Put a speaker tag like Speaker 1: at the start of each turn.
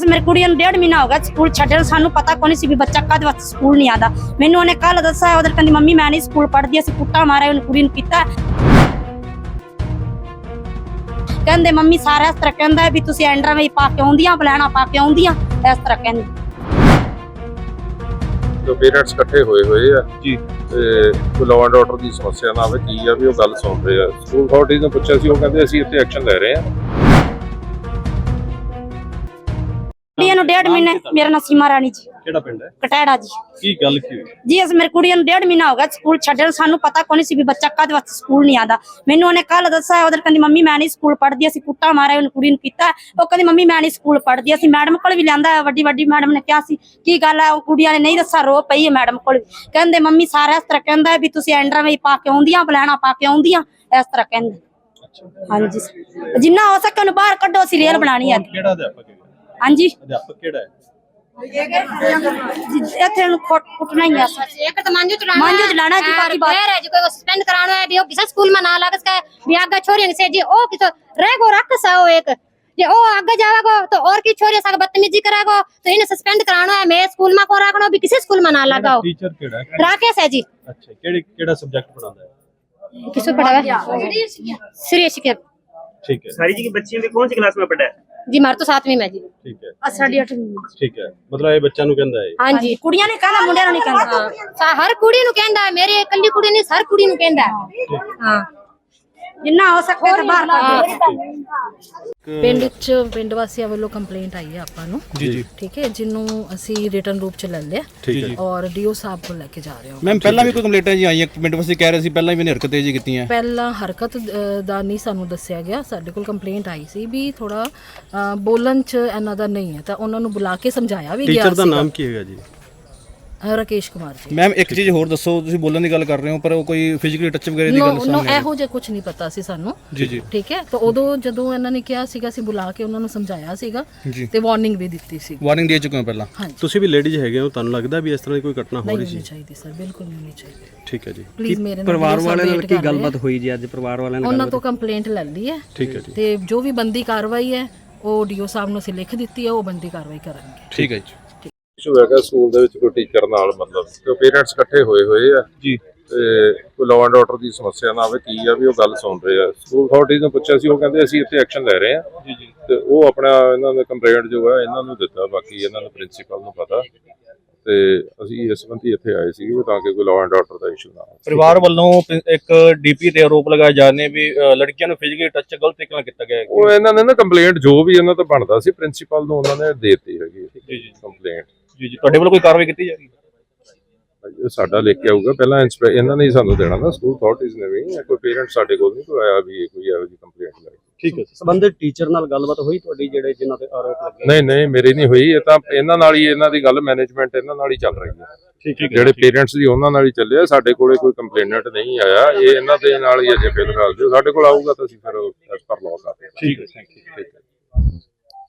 Speaker 1: ਅਸ ਮੇਰੇ ਕੁੜੀ ਨੂੰ 1.5 ਮਹੀਨਾ ਹੋ ਗਿਆ ਸਕੂਲ ਛੱਡਣ ਸਾਨੂੰ ਪਤਾ ਕੋਈ ਨਹੀਂ ਸੀ ਵੀ ਬੱਚਾ ਕਦ ਵਾਸਤੇ ਸਕੂਲ ਨਹੀਂ ਆਦਾ। ਮੈਨੂੰ ਉਹਨੇ ਕੱਲ ਦੱਸਿਆ ਉਧਰ ਕਹਿੰਦੀ ਮੰਮੀ ਮੈਂ ਨਹੀਂ ਸਕੂਲ ਪੜ੍ਹਦੀ ਅਸੀਂ ਕੁੱਟਾ ਮਾਰਿਆ ਉਹਨੂੰ ਕੁੜੀ ਨੂੰ ਕੀਤਾ। ਕਹਿੰਦੇ ਮੰਮੀ ਸਾਰਾ ਇਸ ਤਰ੍ਹਾਂ ਕਹਿੰਦਾ ਵੀ ਤੁਸੀਂ ਐਂਡਰਾ ਵਿੱਚ ਪਾ ਕੇ ਆਉਂਦੀਆਂ ਬਲੈਣਾ ਪਾ ਕੇ ਆਉਂਦੀਆਂ ਇਸ ਤਰ੍ਹਾਂ ਕਹਿੰਦੇ।
Speaker 2: ਜੋ ਪੇਰੈਂਟਸ ਇਕੱਠੇ ਹੋਏ ਆ ਜੀ ਤੇ ਲਾਅ ਐਂਡ ਆਰਡਰ ਦੀ ਸਮੱਸਿਆ ਨਾ ਆਵੇ ਕੀ ਆ ਵੀ ਉਹ ਗੱਲ ਸੁਣ ਰਹੇ ਆ। ਸਕੂਲ ਅਥਾਰਟੀਜ਼ ਨੂੰ ਪੁੱਛਿਆ ਸੀ ਉਹ ਕਹਿੰਦੇ ਅਸੀਂ ਇੱਥੇ ਐਕਸ਼ਨ ਲੈ ਰਹੇ ਆ।
Speaker 1: ਇਹਨੂੰ 1.5 ਮਹੀਨੇ ਮੇਰਾ ਨਾਮ ਸੀਮਾ ਰਾਣੀ ਜੀ।
Speaker 3: ਕਿਹੜਾ ਪਿੰਡ ਹੈ?
Speaker 1: ਕਟੈੜਾ ਜੀ।
Speaker 3: ਕੀ ਗੱਲ ਕੀ ਹੋਈ
Speaker 1: ਜੀ? ਅਸ ਮੇਰੇ ਕੁੜੀ ਨੂੰ 1.5 ਮਹੀਨਾ ਹੋ ਗਿਆ ਸਕੂਲ ਛੱਡਣ ਸਾਨੂੰ ਪਤਾ ਕੋਈ ਨਹੀਂ ਸੀ ਵੀ ਬੱਚਾ ਕਦ ਵਾਸਤੇ ਸਕੂਲ ਨਹੀਂ ਆਦਾ। ਮੈਨੂੰ ਉਹਨੇ ਕੱਲ ਦੱਸਿਆ ਉਧਰ ਕਹਿੰਦੀ ਮੰਮੀ ਮੈਂ ਨਹੀਂ ਸਕੂਲ ਪੜ੍ਹਦੀ ਅਸੀਂ ਕੁੱਟਾ ਮਾਰਿਆ ਉਹਨੂੰ ਕੁੜੀ ਨੂੰ ਕੀਤਾ। ਉਹ ਕਹਿੰਦੀ ਮੰਮੀ ਮੈਂ ਨਹੀਂ ਸਕੂਲ ਪੜ੍ਹਦੀ। ਅਸੀਂ ਮੈਡਮ ਕੋਲ ਵੀ ਲਿਆਂਦਾ ਵੱਡੀ ਮੈਡਮ ਨੇ ਕਿਹਾ ਸੀ ਕੀ ਗੱਲ ਹੈ ਉਹ ਕੁੜੀਆਂ ਨੇ ਨਹੀਂ ਦੱਸਿਆ ਰੋ ਪਈ ਹੈ ਮੈਡਮ ਕੋਲ। ਕਹਿੰਦੇ ਮੰਮੀ ਸਾਰਾ ਇਸ ਤਰ੍ਹਾਂ ਕਹਿੰਦਾ ਵੀ ਤੁਸੀਂ ਐਂਡਰਾ ਵਿੱਚ ਪਾ ਕੇ ਆਉਂਦੀਆਂ ਬਲੈਣਾ ਪਾ ਕੇ ਆਉਂਦੀਆਂ ਇਸ ਤਰ੍ਹਾਂ ਕਹਿੰਦੇ। ਹਾਂਜੀ ਜਿੰਨਾ ਹੋ ਸਕੇ ਉਹਨੂੰ ਬਾਹਰ ਕੱਢੋ ਅਸੀਂ ਰੇਲ ਬਣਾਣੀ ਹੈ।
Speaker 3: ਕਿਹੜਾ ਅਧਿਆਪਕ ਹੈ?
Speaker 1: ਹਾਂਜੀ
Speaker 3: ਅਧਿਆਪਕ ਕਿਹੜਾ ਹੈ?
Speaker 1: ਇੱਥੇ ਨੂੰ ਕੁੱਟਣਾ ਹੀ ਆ
Speaker 4: एक तो मांझू
Speaker 1: चलाना जी बाकी बात
Speaker 4: है जो कोई सस्पेंड कराना है भी वो किसी स्कूल में ना लागस का भी आगे छोरी से जी ओ कितो रह गो रख सा ओ एक जे ओ आगे जावेगो तो और की छोरी सा बदतमीजी करागो तो इन्हें सस्पेंड कराना है। मैं स्कूल में को रखनो भी किसी स्कूल में ना लगाओ।
Speaker 3: टीचर केड़ा है?
Speaker 4: राकेश है जी।
Speaker 3: अच्छा केड़ा सब्जेक्ट पढ़ाता है?
Speaker 4: किसको पढ़ावा? श्रेयस के।
Speaker 3: ठीक है।
Speaker 5: सारी जी की बच्चियों में कौन सी क्लास में पढ़ा है?
Speaker 4: जी मार तो 7वीं में जी।
Speaker 3: ठीक है।
Speaker 1: ਸਾਡੀ 8ਵੀਂ
Speaker 3: ठीक है मतलब ये बच्चा नु कहंदा है?
Speaker 4: हां जी
Speaker 1: ਕੁੜੀਆਂ ਨੇ ਕਹਿੰਦਾ ਮੁੰਡਿਆਂ ਨੂੰ ਨਹੀਂ ਕਹਿੰਦਾ।
Speaker 4: हर कुड़ी नु कहंदा है मेरे इकल्ली कुड़ी नहीं हर कुड़ी नु कहंदा है। हां
Speaker 1: ਜਿੰਨਾ ਹੋ ਸਕੇ ਤੇ ਬਾਹਰ ਕੱਢੋ।
Speaker 6: ਪਿੰਡ ਵਾਸੀਆਂ ਵੱਲੋਂ ਕੰਪਲੇਂਟ ਆਈ ਹੈ ਆਪਾਂ ਨੂੰ ਜੀ ਠੀਕ ਹੈ ਜਿਹਨੂੰ ਅਸੀਂ ਰਿਟਨ ਰੂਪ ਚ ਲੈ ਲਿਆ
Speaker 3: ਠੀਕ ਹੈ
Speaker 6: ਔਰ ਡੀਓ ਸਾਹਿਬ ਕੋਲ ਲੈ ਕੇ ਜਾ ਰਹੇ ਹਾਂ।
Speaker 7: ਮੈਮ ਪਹਿਲਾਂ ਵੀ ਕੋਈ ਕੰਪਲੇਂਟਾਂ ਜੀ ਆਈਆਂ ਪਿੰਡ ਵਾਸੀ ਕਹਿ ਰਹੇ ਸੀ ਪਹਿਲਾਂ ਵੀ ਹਰਕਤਾਂ ਜੀ ਕੀਤੀਆਂ।
Speaker 6: ਪਹਿਲਾਂ ਹਰਕਤ ਦਾ ਨਹੀਂ ਸਾਨੂੰ ਦੱਸਿਆ ਗਿਆ। ਸਾਡੇ ਕੋਲ ਕੰਪਲੇਂਟ ਆਈ ਸੀ ਵੀ ਥੋੜਾ ਬੋਲਣ ਚ ਇਹਨਾਂ ਦਾ ਨਹੀਂ ਹੈ ਤਾਂ ਉਹਨਾਂ ਨੂੰ ਬੁਲਾ ਕੇ ਸਮਝਾਇਆ ਵੀ ਗਿਆ।
Speaker 3: ਟੀਚਰ ਦਾ ਨਾਮ ਕੀ ਹੈਗਾ ਜੀ?
Speaker 6: ਰਾਕੇਸ਼ ਕੁਮਾਰ ਜੀ।
Speaker 7: ਮੈਮ ਇੱਕ ਚੀਜ਼ ਹੋਰ ਦੱਸੋ ਤੁਸੀਂ ਬੋਲਣ ਦੀ ਗੱਲ ਕਰ ਰਹੇ ਹੋ ਪਰ ਉਹ ਕੋਈ ਫਿਜ਼ੀਕਲੀ ਟੱਚ ਵਗੈਰਾ ਦੀ ਗੱਲ
Speaker 6: ਸਾਹਮਣੇ ਇਹੋ ਜਿਹਾ ਕੁਝ ਨਹੀਂ ਪਤਾ ਸੀ ਸਾਨੂੰ ਜੀ ਠੀਕ ਹੈ। ਤਾਂ ਉਦੋਂ ਜਦੋਂ ਇਹਨਾਂ ਨੇ ਕਿਹਾ ਸੀਗਾ ਅਸੀਂ ਬੁਲਾ ਕੇ ਉਹਨਾਂ ਨੂੰ ਸਮਝਾਇਆ ਸੀਗਾ ਤੇ ਵਾਰਨਿੰਗ ਵੀ ਦਿੱਤੀ ਸੀ।
Speaker 7: ਵਾਰਨਿੰਗ ਦੇ ਚੁੱਕੇ ਹੋ ਪਹਿਲਾਂ?
Speaker 3: ਤੁਸੀਂ ਵੀ ਲੇਡੀਜ਼ ਹੈਗੇ ਹੋ ਤੁਹਾਨੂੰ ਲੱਗਦਾ ਵੀ ਇਸ ਤਰ੍ਹਾਂ ਦੀ ਕੋਈ ਘਟਨਾ ਹੋ ਰਹੀ ਸੀ?
Speaker 6: ਨਹੀਂ ਚਾਹੀਦੀ ਸਰ ਬਿਲਕੁਲ ਨਹੀਂ ਚਾਹੀਦੀ।
Speaker 3: ਠੀਕ ਹੈ ਜੀ।
Speaker 6: ਪਲੀਜ਼ ਮੇਰੇ
Speaker 5: ਪਰਿਵਾਰ ਵਾਲਿਆਂ ਨਾਲ ਕੀ ਗੱਲਬਾਤ ਹੋਈ ਜੀ ਅੱਜ ਪਰਿਵਾਰ ਵਾਲਿਆਂ ਨੇ?
Speaker 6: ਉਹਨਾਂ ਤੋਂ ਕੰਪਲੇਂਟ ਲੈ ਲਈ ਹੈ
Speaker 3: ਠੀਕ ਹੈ ਜੀ
Speaker 6: ਤੇ ਜੋ ਵੀ ਬੰਦੀ ਕਾਰਵਾਈ ਹੈ ਉਹ ਡੀਓ ਸਾਹਿਬ ਨੂੰ ਅਸੀਂ ਲਿਖ ਦਿੱਤੀ ਹੈ ਉਹ ਬੰਦੀ ਕਾਰਵਾਈ ਕਰਾਂਗੇ।
Speaker 7: ਠੀਕ ਹੈ ਜੀ।
Speaker 2: ਇਸ਼ੂ ਹੈਗਾ ਸਕੂਲ ਦੇ ਵਿੱਚ ਕੋਈ ਟੀਚਰ ਨਾਲ ਮਤਲਬ ਜੋ ਪੇਰੈਂਟਸ ਇਕੱਠੇ ਹੋਏ ਆ ਜੀ ਤੇ ਕੋਈ ਲਾਅ ਐਂਡ ਆਰਡਰ ਦੀ ਸਮੱਸਿਆ ਨਾ ਆਵੇ ਕੀ ਆ ਵੀ ਉਹ ਗੱਲ ਸੁਣ ਰਹੇ ਆ। ਸਕੂਲ ਅਥਾਰਟੀਜ਼ ਨੂੰ ਪੁੱਛਿਆ ਸੀ ਉਹ ਕਹਿੰਦੇ ਅਸੀਂ ਇੱਥੇ ਐਕਸ਼ਨ ਲੈ ਰਹੇ ਆ ਜੀ ਤੇ ਉਹ ਆਪਣਾ ਇਹਨਾਂ ਦਾ ਕੰਪਲੇਂਟ ਜੋ ਹੈ ਇਹਨਾਂ ਨੂੰ ਦਿੱਤਾ ਬਾਕੀ ਇਹਨਾਂ ਨੂੰ ਪ੍ਰਿੰਸੀਪਲ ਨੂੰ ਪਤਾ ਤੇ ਅਸੀਂ ਇਸ ਸੰਬੰਧੀ ਇੱਥੇ ਆਏ ਸੀ ਤਾਂ ਕਿ ਕੋਈ ਲਾਅ ਐਂਡ ਆਰਡਰ ਦਾ ਇਸ਼ੂ ਨਾ ਆਵੇ।
Speaker 5: ਪਰਿਵਾਰ ਵੱਲੋਂ ਇੱਕ ਡੀਪੀ ਤੇ ਆਰੋਪ ਲਗਾਏ ਜਾ ਰਹੇ ਨੇ ਵੀ ਲੜਕੀਆਂ ਨੂੰ ਫਿਜ਼ੀਕਲੀ ਟੱਚ ਗਲਤ ਤਰੀਕੇ ਨਾਲ ਕੀਤਾ ਗਿਆ।
Speaker 2: ਉਹ ਇਹਨਾਂ ਨੇ ਨਾ ਕੰਪਲੇਂਟ ਜੋ ਵੀ ਇਹਨਾਂ ਤੋਂ ਬਣਦਾ ਸੀ ਪ੍ਰਿੰਸੀਪਲ ਨੂੰ ਉਹਨਾਂ ਨੇ ਦੇ ਦਿੱਤੀ ਹੈਗੀ ਕੰਪਲੇਂਟ।
Speaker 5: ਜੀ ਤੁਹਾਡੇ ਵੱਲੋਂ ਕੋਈ ਕਾਰਵਾਈ ਕੀਤੀ ਜਾ ਰਹੀ ਹੈ?
Speaker 2: ਸਾਡਾ ਲਿਖ ਕੇ ਆਊਗਾ ਪਹਿਲਾਂ ਇਹਨਾਂ ਨੇ ਹੀ ਸਾਨੂੰ ਦੇਣਾ ਨਾ ਸਕੂਲ ਅਥਾਰਟੀਜ਼ ਨੇ ਵੀ ਕੋਈ ਪੇਰੈਂਟ ਸਾਡੇ ਕੋਲ ਨਹੀਂ ਕੋਈ ਆਇਆ ਵੀ ਕੋਈ ਇਹੋ ਜਿਹੀ ਕੰਪਲੇਂਟ ਲਾਈ।
Speaker 3: ਠੀਕ ਹੈ।
Speaker 5: ਸੰਬੰਧਿਤ ਟੀਚਰ ਨਾਲ ਗੱਲਬਾਤ ਹੋਈ ਤੁਹਾਡੀ ਜਿਹੜੇ ਜਿਨ੍ਹਾਂ ਤੇ ਆਰੋਪ ਲੱਗੇ?
Speaker 2: ਨਹੀਂ ਮੇਰੀ ਨਹੀਂ ਹੋਈ। ਇਹ ਤਾਂ ਇਹਨਾਂ ਨਾਲ ਹੀ ਇਹਨਾਂ ਦੀ ਗੱਲ ਮੈਨੇਜਮੈਂਟ ਇਹਨਾਂ ਨਾਲ ਹੀ ਚੱਲ ਰਹੀ ਹੈ।
Speaker 3: ਠੀਕ ਹੈ।
Speaker 2: ਜਿਹੜੇ ਪੇਰੈਂਟਸ ਦੀ ਉਹਨਾਂ ਨਾਲ ਹੀ ਚੱਲਿਆ ਸਾਡੇ ਕੋਲੇ ਕੋਈ ਕੰਪਲੇਨੈਂਟ ਨਹੀਂ ਆਇਆ। ਇਹ ਇਹਨਾਂ ਦੇ ਨਾਲ ਹੀ ਅਜੇ ਫਿਲਹਾਲ ਜੋ ਸਾਡੇ ਕੋਲ ਆਊਗਾ ਤਾਂ ਅਸੀਂ ਫਿਰ ਐਸ ਪਰ ਲਾਅ ਕਰਦੇ ਹਾਂ।
Speaker 3: ਠੀਕ ਹੈ। Thank you.